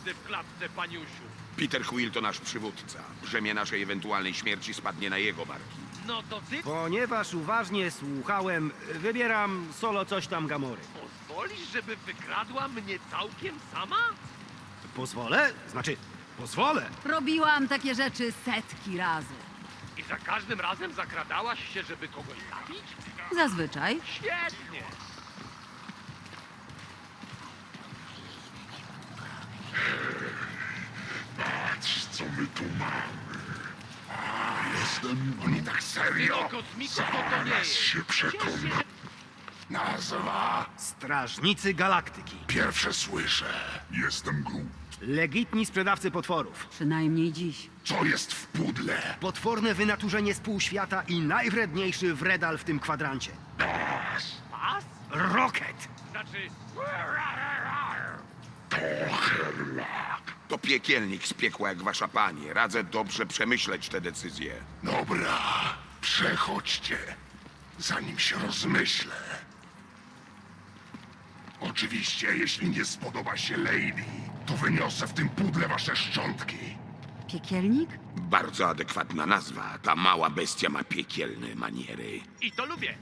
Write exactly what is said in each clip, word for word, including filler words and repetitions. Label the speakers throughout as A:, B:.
A: miejsce w klatce, paniusiu.
B: Peter Quill to nasz przywódca. Brzemię naszej ewentualnej śmierci spadnie na jego barki.
A: No to ty
C: Ponieważ uważnie słuchałem, wybieram solo coś tam Gamory.
A: pozwolisz, żeby wykradła mnie całkiem sama?
C: Pozwolę? Znaczy, pozwolę.
D: Robiłam takie rzeczy setki razy.
A: I za każdym razem zakradałaś się, żeby kogoś zabić?
D: Zazwyczaj.
A: Świetnie!
E: Patrz, co my tu mamy. Jestem... Oni tak serio?
A: No, kosmiko, to to nie
E: Zaraz
A: jest.
E: się przekonam. Nazwa...
C: Strażnicy Galaktyki.
E: Pierwsze słyszę. Jestem Groot.
C: Legitni sprzedawcy potworów.
D: Przynajmniej dziś.
E: Co jest w pudle?
C: Potworne wynaturzenie z półświata i najwredniejszy wredal w tym kwadrancie.
A: Pas?
C: Rocket!
A: Znaczy...
E: To Herlak.
B: To piekielnik z piekła jak wasza pani. Radzę dobrze przemyśleć te decyzje.
E: Dobra, przechodźcie, zanim się rozmyślę. Oczywiście, jeśli nie spodoba się Lady, to wyniosę w tym pudle wasze szczątki.
D: Piekielnik?
B: Bardzo adekwatna nazwa. Ta mała bestia ma piekielne maniery.
A: I to lubię.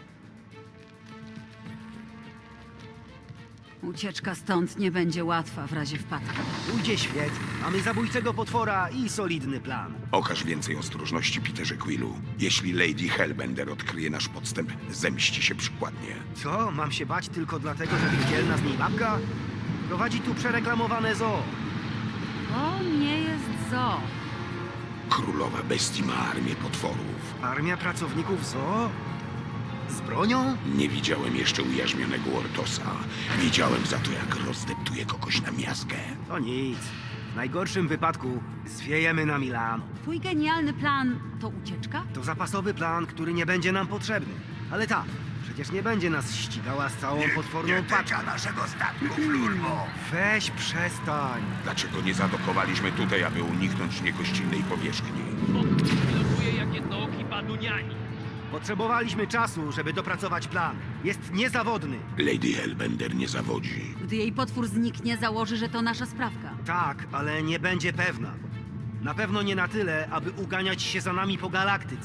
D: Ucieczka stąd nie będzie łatwa w razie wpadki.
C: Pójdzie świetnie. Mamy zabójcego potwora i solidny plan.
B: Okaż więcej ostrożności, Peterze Quillu. Jeśli Lady Hellbender odkryje nasz podstęp, zemści się przykładnie.
C: Co? Mam się bać tylko dlatego, że widzielna z niej babka? Prowadzi tu przereklamowane zoo.
D: To nie jest zoo.
B: Królowa bestii ma armię potworów.
C: Armia pracowników zoo? Z bronią?
B: Nie widziałem jeszcze ujarzmionego Ortosa. Widziałem za to, jak rozdeptuje kogoś na miazgę.
C: To nic. W najgorszym wypadku zwiejemy na Milano.
D: Twój genialny plan to ucieczka?
C: To zapasowy plan, który nie będzie nam potrzebny. Ale tak, przecież nie będzie nas ścigała z całą potworną paczką.
E: naszego statku, Flurbo.
C: Weź przestań.
B: Dlaczego nie zadokowaliśmy tutaj, aby uniknąć niegościnnej powierzchni?
A: Bo pilnuje jak jednooki baduniani.
C: Potrzebowaliśmy czasu, żeby dopracować plan. Jest niezawodny.
B: Lady Hellbender nie zawodzi.
D: Gdy jej potwór zniknie, założy, że to nasza sprawka.
C: Tak, ale nie będzie pewna. Na pewno nie na tyle, aby uganiać się za nami po galaktyce.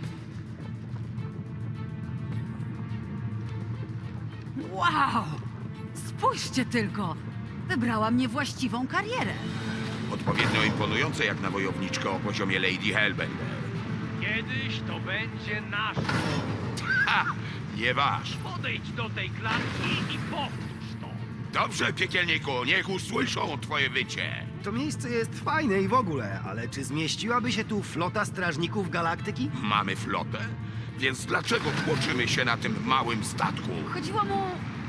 D: Wow! Spójrzcie tylko! Wybrała mnie właściwą karierę.
B: Odpowiednio imponujące jak na wojowniczkę o poziomie Lady Hellbender.
A: Kiedyś to będzie nasz.
B: Ha! Nie waż.
A: Podejdź do tej klatki i powtórz to.
B: Dobrze, piekielniku, niech usłyszą twoje wycie.
C: To miejsce jest fajne i w ogóle, ale czy zmieściłaby się tu flota strażników galaktyki?
B: Mamy flotę? Więc dlaczego tłoczymy się na tym małym statku?
D: Chodziło mu...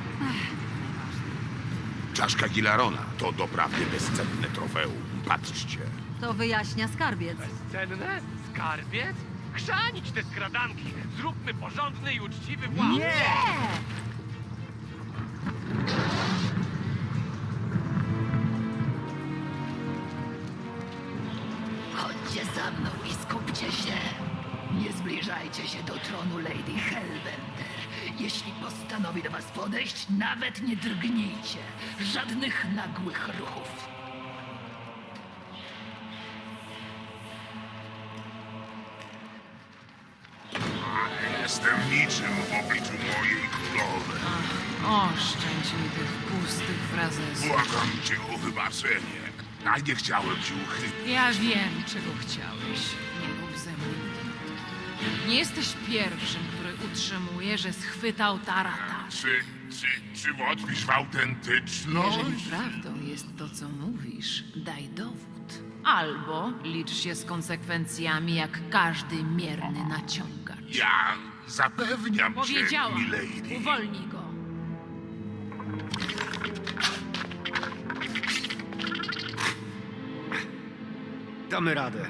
B: Czaszka Gilarona to doprawdy bezcenne trofeum. Patrzcie.
D: To wyjaśnia skarbiec.
A: Bezcenne? Skarbiec? Chrzanić te skradanki. Zróbmy porządny i uczciwy włam.
D: Nie!
F: Chodźcie za mną i skupcie się. Nie zbliżajcie się do tronu Lady Hellbender. Jeśli postanowi do was podejść, nawet nie drgnijcie. Żadnych nagłych ruchów.
E: Jestem niczym w obliczu mojej królowej.
G: Oszczędź mi tych pustych frazesów.
E: Błagam cię o wybaczenie. A nie chciałem ci uchybić.
G: Ja wiem, czego chciałeś. Nie mów ze mnie. Nie jesteś pierwszym, który utrzymuje, że schwytał Tarata.
E: Czy, czy, czy wątpisz w autentyczność?
G: Jeżeli prawdą jest to, co mówisz, daj dowód. Albo licz się z konsekwencjami, jak każdy mierny naciągacz.
E: Ja zapewniam cię,
G: Powiedziałam,
E: milady.
G: uwolnij go.
C: Damy radę.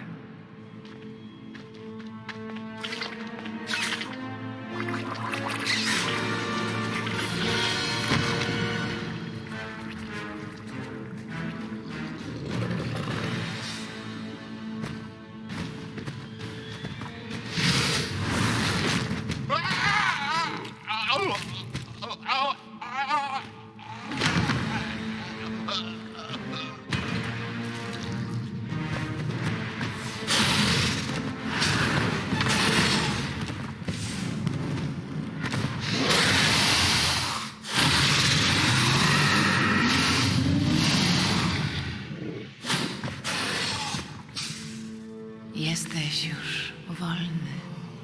G: Jesteś już wolny.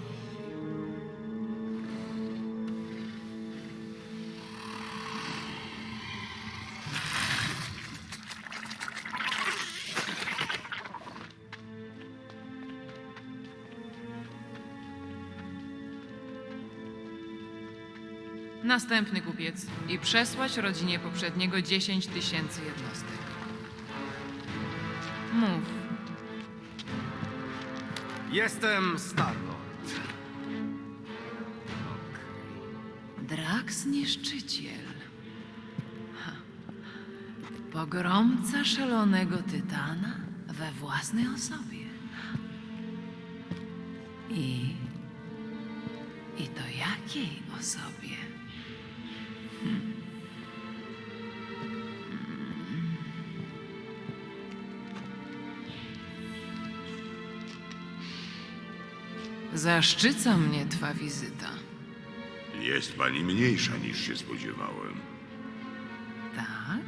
G: Następny kupiec i przesłać rodzinie poprzedniego dziesięć tysięcy jednostek. Mów.
C: Jestem Starlord.
G: Drax Niszczyciel. Ha. Pogromca szalonego tytana we własnej osobie. I... I to jakiej osobie? Hmm. Hmm. Zaszczyca mnie twa wizyta.
B: Jest pani mniejsza niż się spodziewałem.
G: Tak?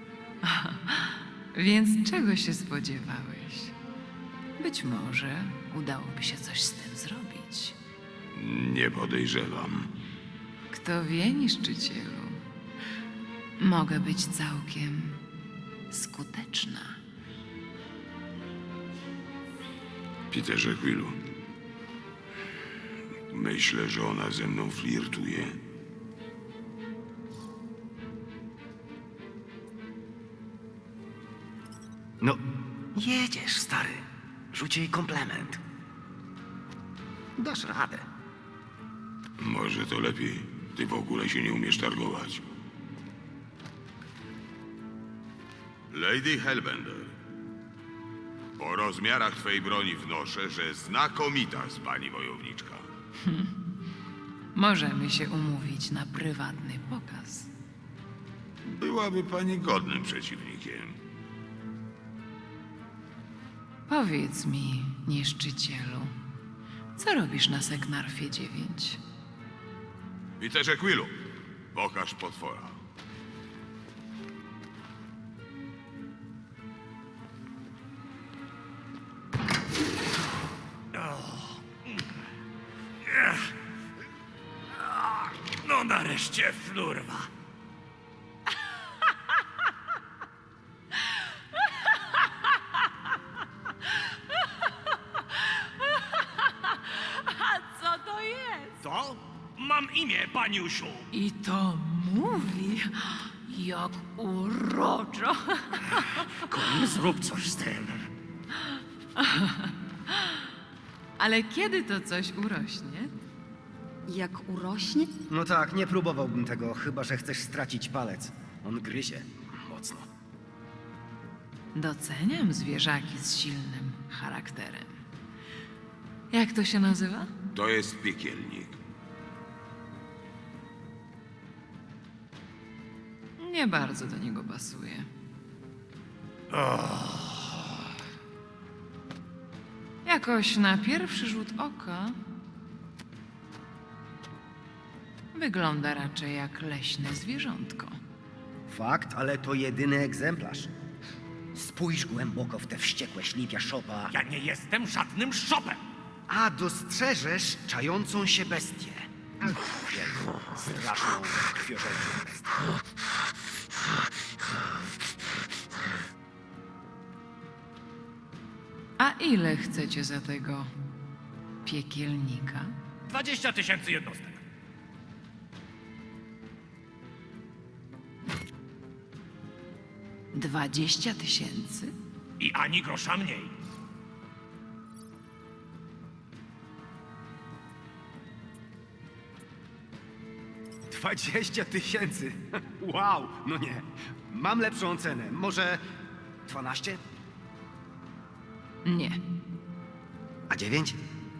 G: Więc czego się spodziewałeś? Być może udałoby się coś z tym zrobić.
B: Nie podejrzewam.
G: Kto wie, niszczycielu? Mogę być całkiem skuteczna.
B: Peterze Quillu. Myślę, że ona ze mną flirtuje.
C: No, jedziesz, stary. Rzuć jej komplement. Dasz radę.
B: Może to lepiej. Ty w ogóle się nie umiesz targować. Lady Hellbender. Po rozmiarach twej broni wnoszę, że znakomita z pani wojowniczka.
G: Możemy się umówić na prywatny pokaz.
B: Byłaby pani godnym przeciwnikiem.
G: Powiedz mi, niszczycielu, co robisz na Seknarfie dziewięć?
B: Peterze Quillu, pokaż potwora.
A: No nareszcie, flurwa.
G: Co to jest?
A: Co? Mam imię, paniusiu.
G: I to mówi, jak uroczo.
A: Zrób coś z tym.
G: Ale kiedy to coś urośnie?
D: Jak urośnie?
C: No tak, nie próbowałbym tego, chyba że chcesz stracić palec. On gryzie. Mocno.
G: Doceniam zwierzaki z silnym charakterem. Jak to się nazywa?
B: To jest piekielnik.
G: Nie bardzo do niego pasuje. Jakoś na pierwszy rzut oka wygląda raczej jak leśne zwierzątko.
C: Fakt, ale to jedyny egzemplarz. Spójrz głęboko w te wściekłe ślipia szopa,
A: Ja nie jestem żadnym szopem.
C: a dostrzeżesz czającą się bestię. Wielką, straszną, krwiożerczą bestię.
G: A ile chcecie za tego piekielnika?
A: Dwadzieścia tysięcy jednostek.
G: Dwadzieścia tysięcy?
A: I ani grosza mniej.
C: Dwadzieścia tysięcy! Wow, no nie. Mam lepszą cenę. Może dwanaście?
G: Nie.
C: A dziewięć?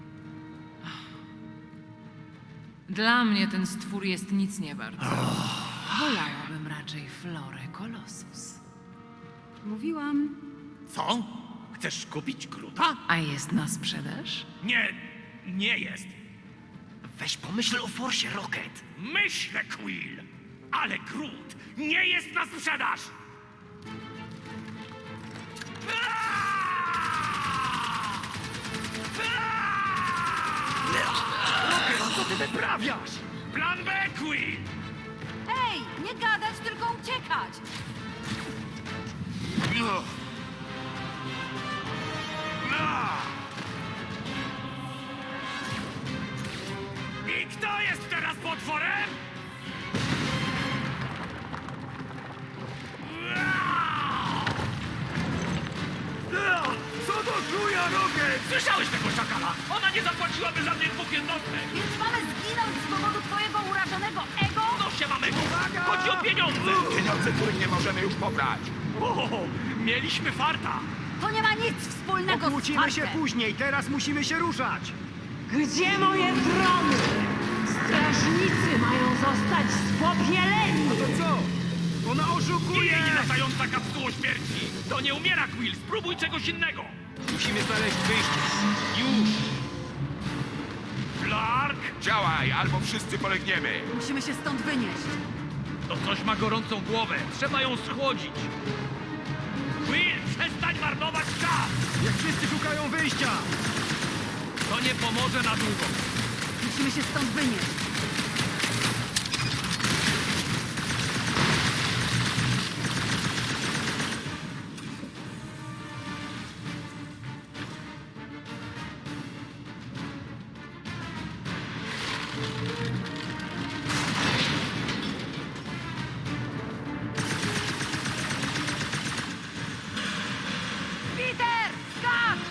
G: Dla mnie ten stwór jest nic nie wart. Wolałabym raczej Florę Colossus.
D: Mówiłam.
A: Co? Chcesz kupić Gruta?
G: A jest na sprzedaż?
A: Nie, nie jest.
C: Weź pomyśl o Forsie, Rocket.
A: Myślę, Quill, ale Groot nie jest na sprzedaż! Aaaa! Aaaa!
C: ty wyprawiasz?
A: Plan B, Quill!
D: Ej, nie gadać, tylko uciekać!
A: No. No. I kto jest teraz potworem?
C: Co to chuja, Rocket?
A: Słyszałeś tego szakala? Ona nie zapłaciłaby za mnie dwóch jednostek!
D: Więc mamy zginąć z powodu twojego urażonego ego?
A: No się mamy! Chodzi o pieniądze!
B: Pieniądze, których nie możemy już pobrać.
A: O, mieliśmy farta!
D: To nie ma nic wspólnego z
C: Pokłócimy się
D: fartem.
C: później, teraz musimy się ruszać.
H: Gdzie moje trony? Strażnicy mają zostać spopieleni!
C: To co? Ona
A: I
C: oszukuje!
A: latająca kapsuło śmierci! To nie umiera, Quill! Spróbuj czegoś innego!
C: Musimy znaleźć wyjście. Już!
A: Clark!
B: Działaj, albo wszyscy polegniemy.
D: Musimy się stąd wynieść.
A: To coś ma gorącą głowę. Trzeba ją schłodzić. Quill, przestań marnować czas!
C: Jak wszyscy szukają wyjścia!
A: To nie pomoże na długo.
D: Musimy się stąd wynieść. Peter! Skacz!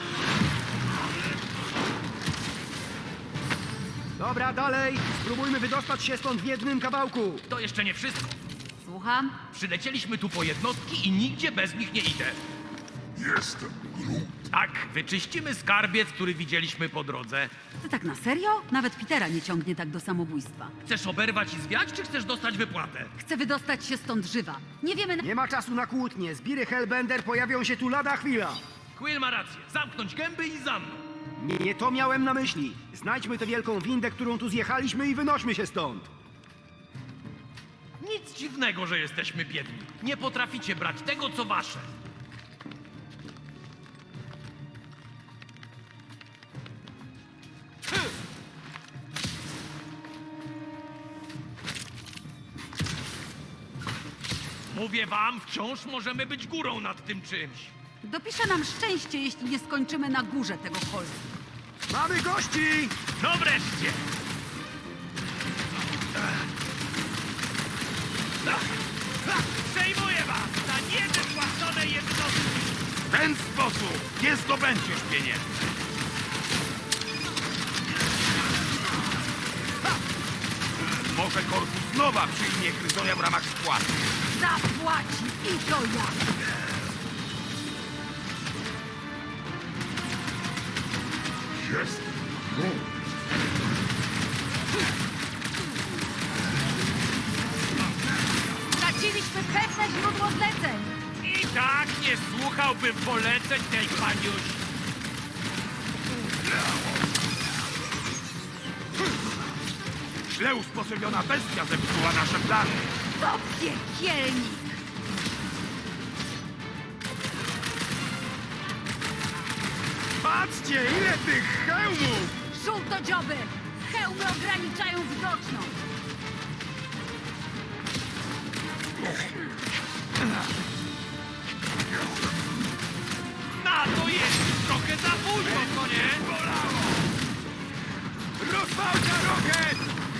C: Dobra, dalej! Spróbujmy wydostać się stąd w jednym kawałku.
A: To jeszcze nie wszystko.
D: Słucham?
A: Przylecieliśmy tu po jednostki i nigdzie bez nich nie idę.
E: Jestem Groot.
A: Tak, wyczyścimy skarbiec, który widzieliśmy po drodze.
D: Ty tak na serio? Nawet Petera nie ciągnie tak do samobójstwa.
A: Chcesz oberwać i zwiać, czy chcesz dostać wypłatę?
D: Chcę wydostać się stąd żywa. Nie wiemy... Na...
C: Nie ma czasu na kłótnie. Zbiry Hellbender pojawią się tu lada chwila.
A: Quill ma rację. Zamknąć gęby i za mną.
C: Nie, nie to miałem na myśli. Znajdźmy tę wielką windę, którą tu zjechaliśmy i wynośmy się stąd.
A: Nic dziwnego, że jesteśmy biedni. Nie potraficie brać tego, co wasze. Mówię wam, wciąż możemy być górą nad tym czymś.
D: Dopisze nam szczęście, jeśli nie skończymy na górze tego holdu.
C: Mamy gości!
A: No wreszcie! Przejmuję was na niewypłacone jednostki!
B: W ten sposób nie zdobędziesz pieniędzy. Ha! Może korpus nowa przyjmie Gryzonia w ramach spłaty.
D: Zapłaci i to ja!
E: Jestem Groot.
D: Straciliśmy pewne źródło zleceń!
A: I tak nie słuchałbym poleceń tej paniusi.
B: Źle usposobiona bestia zepsuła nasze plany.
D: To piekielnik!
C: Patrzcie, ile tych hełmów!
D: Żółtodzioby! Hełmy ograniczają widoczność!
A: Na to jest trochę za późno, co nie?
B: Rozwałcia, Rocket!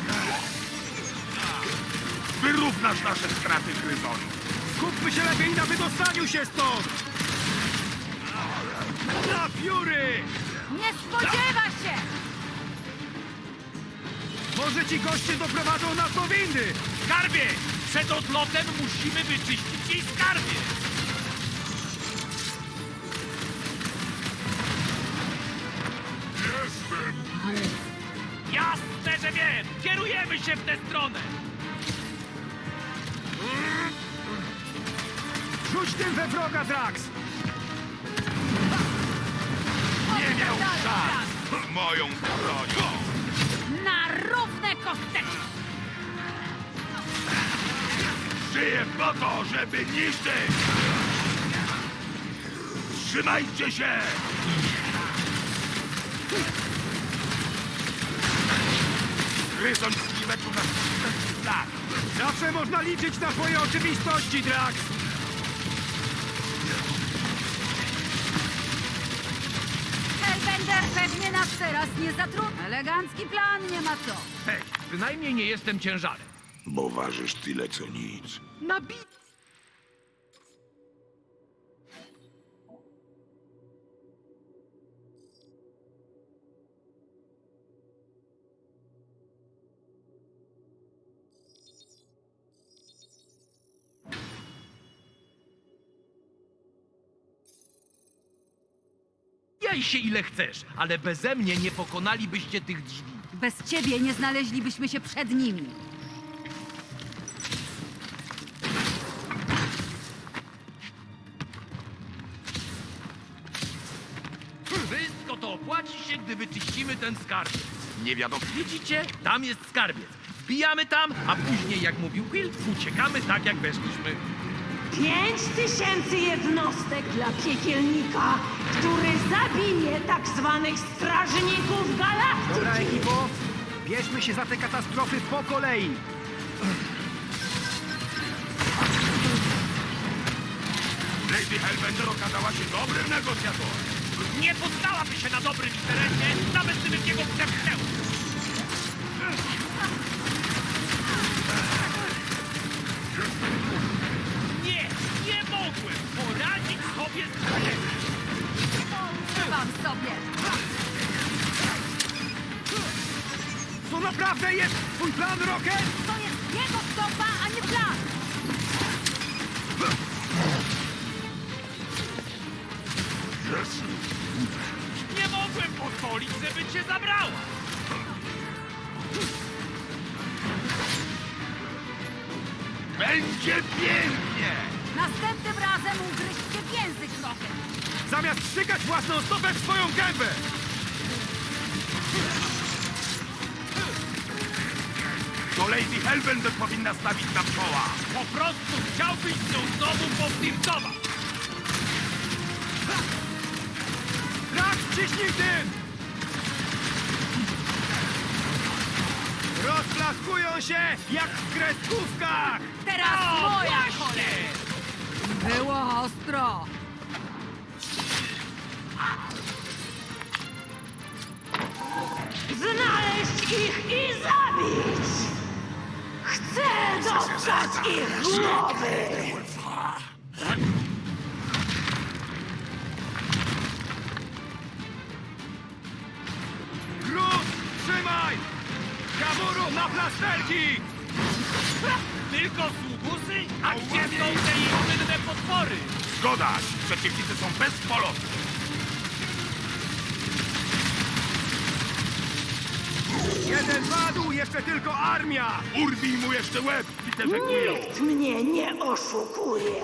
B: Wyrównasz nasze straty, Gryzoniu.
C: Skupmy się lepiej na wydostaniu się stąd! Na pióry!
D: Nie spodziewa się!
C: Może ci goście doprowadzą nas do windy!
A: Skarbie! Przed odlotem musimy wyczyścić jej skarbie!
E: Jestem Groot.
A: Jasne, że wiem! Kierujemy się w tę stronę!
C: Rzuć tym we wroga, Drax!
B: Nie miał szans moją bronią.
D: Na równe kosteczki!
B: Żyję po to, żeby niszczyć! Trzymajcie się! gryząc i meczu na tak.
C: Zawsze można liczyć na twoje oczywistości, Drax!
D: Hellbender pewnie nas teraz nie zatrudni. Elegancki plan, nie ma co.
A: Hej, przynajmniej nie jestem ciężarem.
B: Bo ważysz tyle co nic.
A: Nabi... Jaj się ile chcesz, ale beze mnie nie pokonalibyście tych drzwi.
D: Bez ciebie nie znaleźlibyśmy się przed nimi.
A: Wszystko to opłaci się, gdy wyczyścimy ten skarbiec.
B: Nie wiadomo.
A: Widzicie? Tam jest skarbiec. Wbijamy tam, a później, jak mówił Will, uciekamy tak, jak weszliśmy.
H: Pięć tysięcy jednostek dla piekielnika, który zabije tak zwanych strażników galaktyki.
C: Dobra, ekipo, bierzmy się za te katastrofy po kolei.
B: Lady Hellbender okazała się dobrym negocjatorem.
A: Nie poddałaby się na dobrym interesie, nawet gdybym jego przepchnęł. Nie, nie mogłem poradzić sobie z problemem.
D: Trzymam sobie.
C: To naprawdę jest twój plan, Rocket?
D: To jest jego stopa, a nie plan.
E: Jest.
A: Nie mogłem pozwolić, żeby cię zabrała.
B: Będzie pięknie!
D: Następnym razem ugryźcie w język trochę.
C: Zamiast strzykać własną stopę w swoją gębę!
B: To Lady Hellbender powinna stawić na czoła.
A: Po prostu chciałbyś z nią znowu powtórkować.
C: Drax, ciśnij tym! Rozplaskują się jak w kreskówkach!
D: Teraz
A: O,
D: moja
A: właśnie!
D: kolej. Było ostro.
H: Znaleźć ich i zabić! Chcę dostać ich głowy!
C: Gruz, trzymaj! Kaburu na plasterki!
A: Tylko sługusy? A gdzie są te inne potwory?
B: Zgoda! Przeciwnicy są bezpolotni.
C: Jeden padł, jeszcze tylko armia!
B: Urwij mu jeszcze łeb, Peterze Quillu!
H: Nikt mnie nie oszukuje!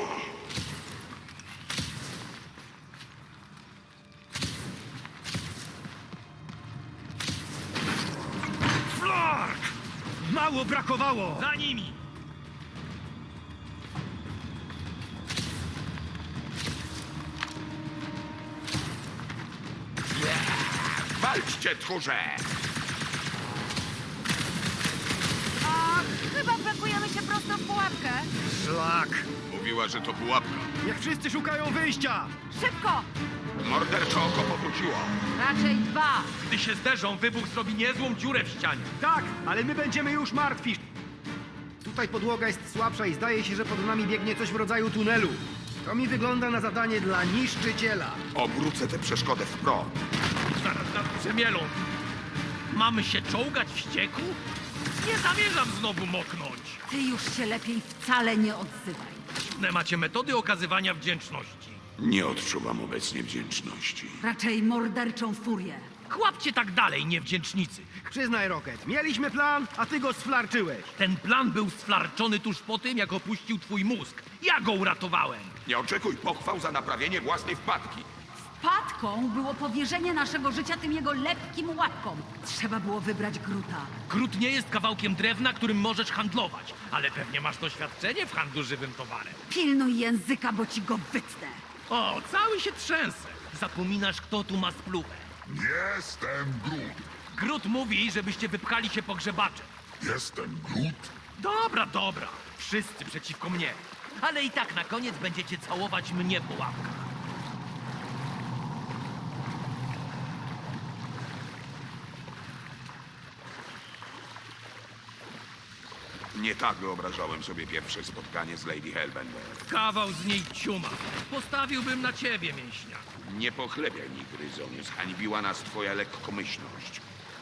C: Flark! Mało brakowało!
A: Za nimi!
B: Walczcie, tchórze!
D: A chyba pakujemy się prosto w pułapkę.
C: Szlak!
B: Mówiła, że to pułapka.
C: Niech wszyscy szukają wyjścia!
D: Szybko!
B: Mordercze oko powróciło.
D: Raczej dwa.
A: Gdy się zderzą, wybuch zrobi niezłą dziurę w ścianie.
C: Tak, ale my będziemy już martwi. Tutaj podłoga jest słabsza i zdaje się, że pod nami biegnie coś w rodzaju tunelu. To mi wygląda na zadanie dla niszczyciela.
B: Obrócę tę przeszkodę w prąd.
A: Zaraz nas przemielą. Mamy się czołgać w ścieku? Nie zamierzam znowu moknąć.
D: Ty już się lepiej wcale nie odzywaj.
A: Dziwne macie metody okazywania wdzięczności.
B: Nie odczuwam obecnie wdzięczności.
D: Raczej morderczą furię.
A: Kłapcie tak dalej, niewdzięcznicy.
C: Przyznaj, Rocket, mieliśmy plan, a ty go sflarczyłeś.
A: Ten plan był sflarczony tuż po tym, jak opuścił twój mózg. Ja go uratowałem.
B: Nie oczekuj pochwał za naprawienie własnej wpadki.
D: Wpadką było powierzenie naszego życia tym jego lepkim łapkom. Trzeba było wybrać Gruta.
A: Grut nie jest kawałkiem drewna, którym możesz handlować, ale pewnie masz doświadczenie w handlu żywym towarem.
D: Pilnuj języka, bo ci go wytnę.
A: O, cały się trzęsę. Zapominasz, kto tu ma spluwę.
E: Jestem Groot.
A: Grut mówi, żebyście wypchali się pogrzebacze.
E: Jestem Groot.
A: Dobra, dobra. Wszyscy przeciwko mnie. Ale i tak na koniec będziecie całować mnie po łapkach.
B: Nie tak wyobrażałem sobie pierwsze spotkanie z Lady Hellbender.
A: Kawał z niej ciuma. Postawiłbym na ciebie, mięśnia.
B: Nie pochlebiaj mi, Gryzonie. Zhańbiła nas twoja lekkomyślność.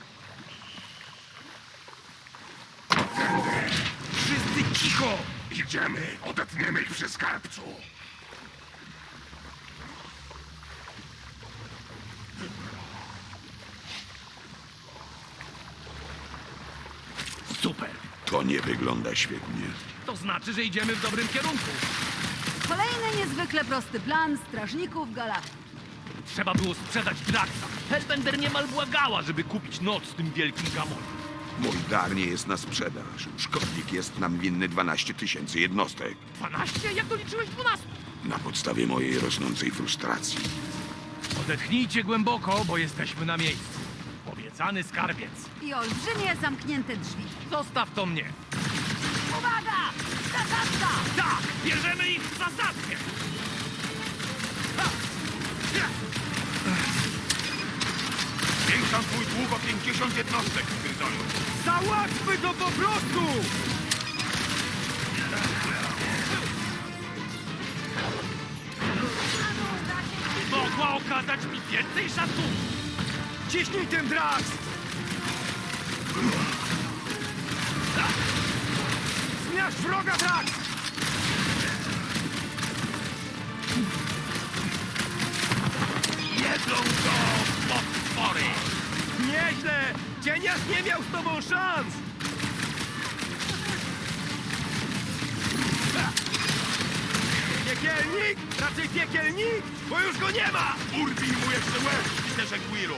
A: Wszyscy cicho!
E: Idziemy, odetniemy ich przy skarbcu.
A: Super.
B: To nie wygląda świetnie.
A: To znaczy, że idziemy w dobrym kierunku.
D: Kolejny niezwykle prosty plan strażników galaktyki.
A: Trzeba było sprzedać Draxa. Hellbender niemal błagała, żeby kupić noc z tym wielkim gamonem.
B: Mój dar nie jest na sprzedaż. Szkodnik jest nam winny dwanaście tysięcy jednostek.
A: dwanaście? Jak doliczyłeś dwanaście?
B: Na podstawie mojej rosnącej frustracji.
A: Odetchnijcie głęboko, bo jesteśmy na miejscu. Obiecany skarbiec.
D: I olbrzymie zamknięte drzwi.
A: Zostaw to mnie.
D: Uwaga! Zasadzka!
A: Tak! Bierzemy ich w zasadzkę! Ha! Ja!
B: Zwiększam twój dług o pięćdziesiąt jednostek, Gryzoniu.
C: Załatwmy to po prostu!
A: Mogła okazać mi więcej szacunku!
C: Ciśnij tym, Drax! Zmiażdż wroga, Drax!
A: Jedzą go potwory!
C: Nieźle! Cienias nie miał z tobą szans! Piekielnik? Raczej piekielnik? Bo już go nie ma!
B: Urwij mu jeszcze łeb, Peterze Quillu.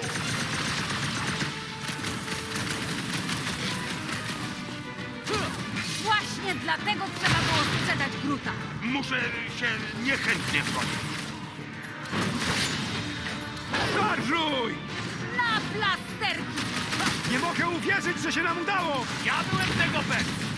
D: Właśnie dlatego trzeba było sprzedać Gruta.
B: Muszę się niechętnie zgodzić.
C: Szarżuj!
D: Na plasterki!
C: Nie mogę uwierzyć, że się nam udało!
A: Ja byłem tego pewny!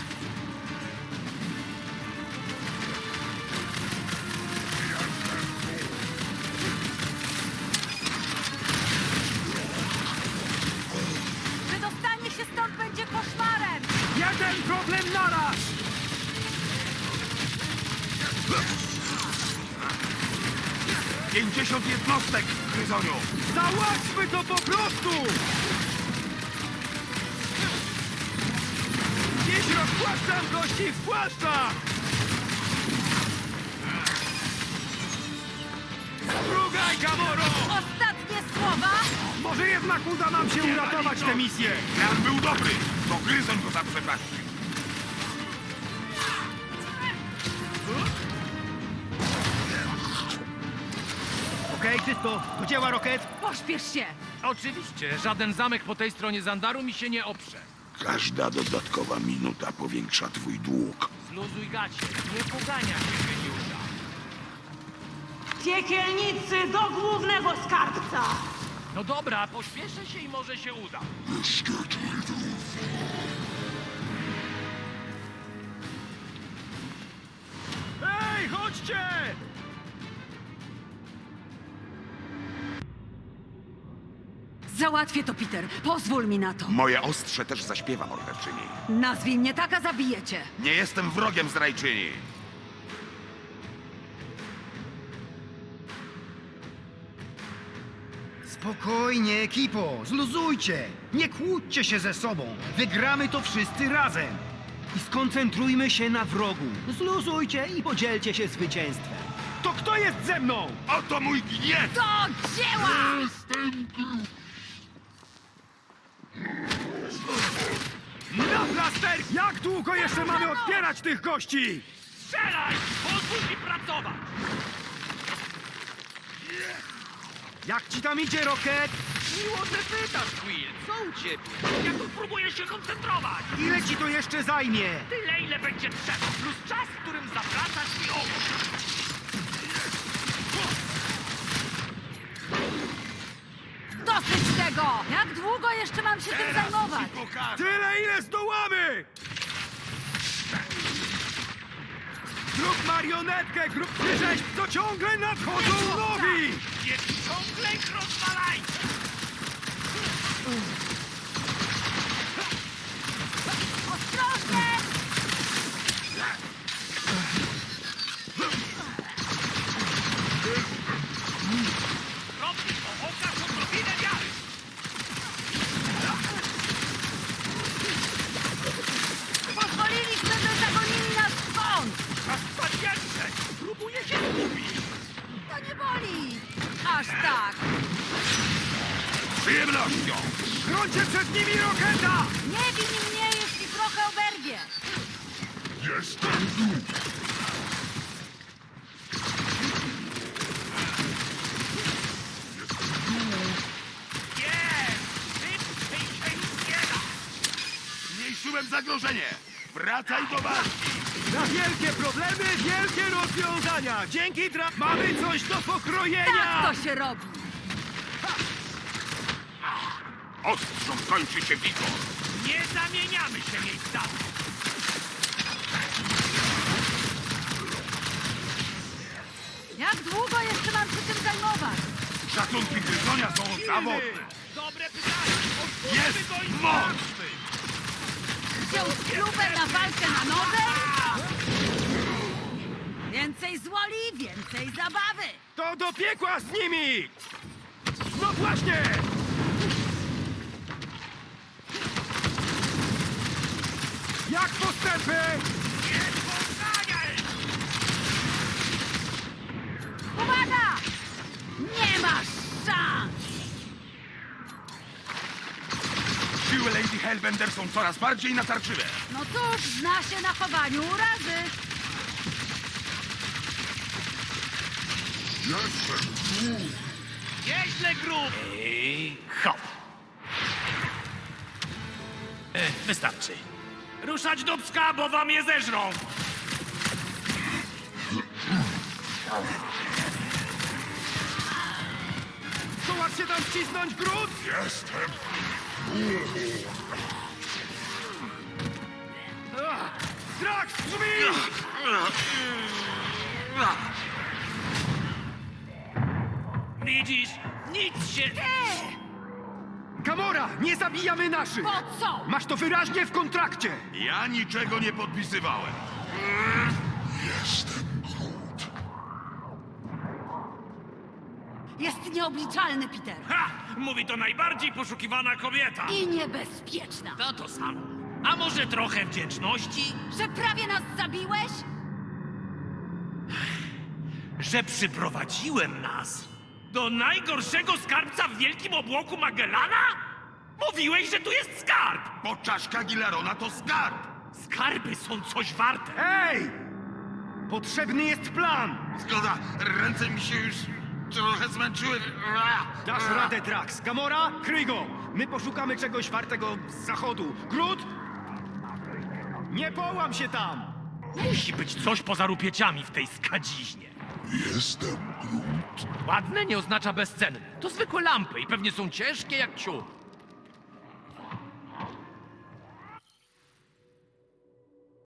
D: Wydostanie się stąd będzie koszmarem!
C: Jeden problem naraz!
B: pięćdziesiąt jednostek, Gryzoniu.
C: Załatwmy to po prostu! Dziś rozpłaszczam gości w płaszczach! Strugaj, Gamoro!
D: Ostatnie słowa?
C: Może jednak uda nam się uratować tę misję!
B: Plan był dobry, to Gryzoń go zaprzepaści.
C: Okej, czysto. Do dzieła, Rocket.
D: Pośpiesz się!
A: Oczywiście, żaden zamek po tej stronie Zandaru mi się nie oprze.
B: Każda dodatkowa minuta powiększa twój dług.
A: Zluzuj gacie, nie pogania się geniusza.
H: Piekielnicy do głównego skarbca!
A: No dobra, pośpieszę się i może się uda.
C: Ej, chodźcie!
D: Załatwię to, Peter. Pozwól mi na to.
B: Moje ostrze też zaśpiewa, morderczyni.
D: Nazwij mnie tak, a zabijecie.
B: Nie jestem wrogiem zdrajczyni.
C: Spokojnie, ekipo. Zluzujcie. Nie kłóćcie się ze sobą. Wygramy to wszyscy razem. I skoncentrujmy się na wrogu. Zluzujcie i podzielcie się zwycięstwem. To kto jest ze mną?
B: Oto mój gniew!
D: Do dzieła!
C: Na plaster! Jak długo jeszcze mamy odpierać tych gości?
A: Strzelaj! Pozwól mi pracować!
C: Jak ci tam idzie, Rocket?
A: Miło, że pytasz, Quill. Co u ciebie? Ja tu próbuję się koncentrować.
C: Ile ci to jeszcze zajmie?
A: Tyle, ile będzie trzeba, plus czas, w którym zawracasz mi oczy.
D: Dosyć tego! Jak długo jeszcze mam się tym zajmować?
C: Tyle, ile zdołamy! Zrób marionetkę, grup rzeźb, to ciągle nadchodzą nowi!
A: Nie ciągle ich rozwalaj!
D: Ostrożnie!
A: Robi to, okaż odrobinę wiary!
D: Pozwoliliśmy, że zagonili nas w kąt!
A: Aż panience! Próbuje się zgubić!
D: To nie boli! Aż tak!
B: Z przyjemnością!
C: Chroncie przed nimi roketa!
D: Nie win mnie, jeśli trochę oberwie!
E: Jestem Groot.
A: Nie! Szybciej się nie da!
B: Zmniejszyłem zagrożenie! Wracaj do walki!
C: Na wielkie problemy, wielkie rozwiązania! Dzięki traf mamy coś do pokrojenia!
D: Tak to się robi!
B: Ostrzą kończy się wigor!
A: Nie zamieniamy się miejscami!
D: Jak długo jeszcze mam się tym zajmować?
B: Szacunki gryzonia są zawodne!
A: Dobre pytanie!
B: Jest
A: Otwórzmy go i
B: moc!
A: sprawdźmy!
D: Wziął spluwę na walkę na noże? Więcej złoli, więcej zabawy!
C: To do piekła z nimi! No właśnie! Jak postępy?
A: Nie poganiaj!
D: Uwaga! Nie masz szans!
B: Siły Lady Hellbender są coraz bardziej natarczywe!
D: No cóż, zna się na chowaniu urazy.
E: Jestem Groot.
A: Nieźle grób! I hop! E, wystarczy. Ruszać do pska, bo wam je zeżrą!
C: Zdołasz się tam wcisnąć, Groot?
E: Jestem
C: Drax, drzwi!
A: Widzisz? Nic się...
C: Gamora, nie zabijamy naszych!
D: Po co?
C: Masz to wyraźnie w kontrakcie!
B: Ja niczego nie podpisywałem!
E: Jestem Groot.
D: Jest nieobliczalny, Peter.
A: Ha! Mówi to najbardziej poszukiwana kobieta!
D: I niebezpieczna.
A: To to samo. A może trochę wdzięczności?
D: Że prawie nas zabiłeś?
A: Że przyprowadziłem nas do najgorszego skarbca w wielkim obłoku Magellana? Mówiłeś, że tu jest skarb!
B: Bo czaszka Gilarona to skarb!
A: Skarby są coś warte!
C: Ej! Potrzebny jest plan!
B: Zgoda, ręce mi się już trochę zmęczyły.
C: Dasz radę, Drax. Gamora, kryj go! My poszukamy czegoś wartego z zachodu. Groot? Nie połam się tam!
A: Musi być coś poza rupieciami w tej skadziźnie.
E: Jestem Groot.
A: Ładne nie oznacza bezcenne. To zwykłe lampy i pewnie są ciężkie jak ciuch.